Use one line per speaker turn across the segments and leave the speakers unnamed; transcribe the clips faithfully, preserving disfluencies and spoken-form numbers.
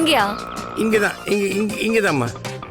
இங்கயா?
இங்கதான், இங்க இங்க இங்கதாம்மா.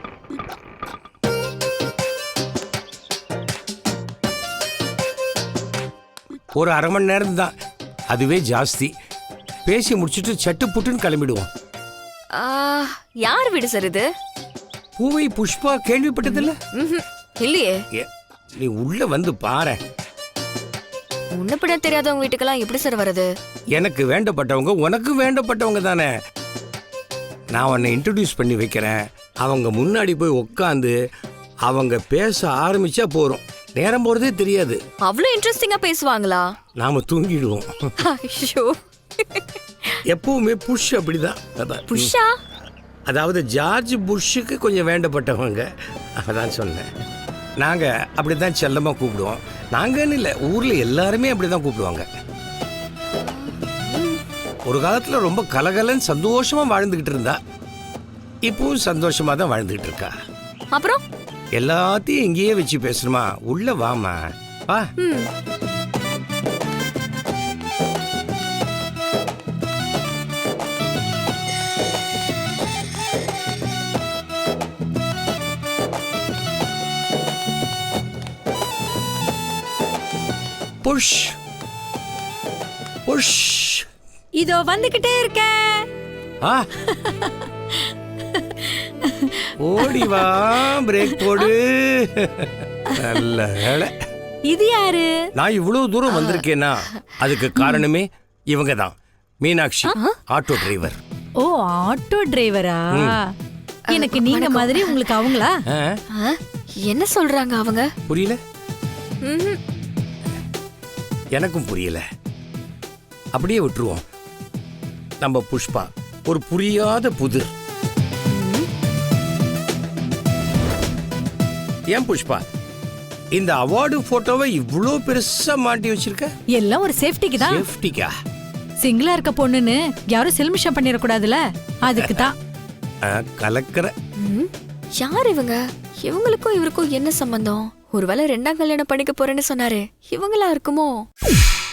ஒரு அரை மணி நேரம் தான், அதுவே ஜாஸ்தி. பேசி முடிச்சுட்டு சட்டு புட்டுன்னு கிளம்பிடுவோம்.
யார் வீடு சார் இது?
பூவை புஷ்பா கேள்விப்பட்டதில்ல?
இல்லையே.
நீ உள்ள வந்து பாரு.
முன்னப்பட தெரியாதவங்க வீட்டுக்கெல்லாம் எப்படி சார் வருது?
எனக்கு வேண்டப்பட்டவங்க உனக்கு வேண்டப்பட்டவங்க தானே. நான் உன்னை இன்ட்ரடியூஸ் பண்ணி வைக்கிறேன். அவங்க முன்னாடி போய் உட்காந்து அவங்க பேச ஆரம்பிச்சா போறோம், நேரம் போறதே தெரியாது.
அவ்வளவு இன்ட்ரெஸ்டிங்கா பேசுவாங்களா?
நாம தூங்கிடுவோம்.
ஐயோ,
எப்பவுமே புஷ் அப்படிதான்.
புஷ்ஷா?
அதாவது ஜார்ஜ் புஷ்ஷுக்கு கொஞ்சம் வேண்டப்பட்டவங்க, அதான் சொன்னேன். நாங்க அப்படிதான் செல்லமா கூப்பிடுவோம். நாங்கன்னு இல்லை, ஊர்ல எல்லாருமே அப்படிதான் கூப்பிடுவாங்க. ஒரு காலத்துல ரொம்ப கலகலன்னு சந்தோஷமா வாழ்ந்துகிட்டு இருந்தா, இப்பவும் சந்தோஷமா தான் வாழ்ந்துகிட்டு இருக்கா.
அப்புறம்
எல்லாத்தையும் இங்கேயே வச்சு பேசணுமா? உள்ள வாமா, வா. Push push.
இதோ வந்துகிட்டே இருக்க.
ஓடி வா, பிரேக் போடு. நல்ல வேளை.
இது யாரு?
நான் இவ்வளவு தூரம் வந்திருக்கேன்னா அதுக்கு காரணமே இவங்க தான். Meenakshi, auto driver.
ஓ, ஆட்டோ டிரைவரா? எனக்கு நீங்க மாதிரி உங்களுக்கு அவங்களா?
என்ன சொல்றாங்க அவங்க?
புரியல? எனக்கும் புரியல. அப்படியே விட்டுருவோம். நம்ம புஷ்பா ஒரு புரியாத புதிர். ஏன் புஷ்பா இந்த அவார்டு போட்டோவை இவ்ளோ பெருசா மாட்டி வச்சிருக்க?
எல்லாம் ஒரு சேஃப்டிக்கு தான்.
சேஃப்டிக்கா?
சிங்கிளா இருக்க பொண்ணுன்னு யாரும் செல்மிஷம் பண்ணிட கூடாதுல, அதுக்கு தான்.
கலக்கற.
யார் இவங்க? இவங்களுக்கும் இவருக்கும் என்ன சம்பந்தம்? ஒருவேளை ரெண்டாம் கல்யாணம் பண்ணிக்க போறேன்னு சொன்னாரு, இவங்களா இருக்குமோ?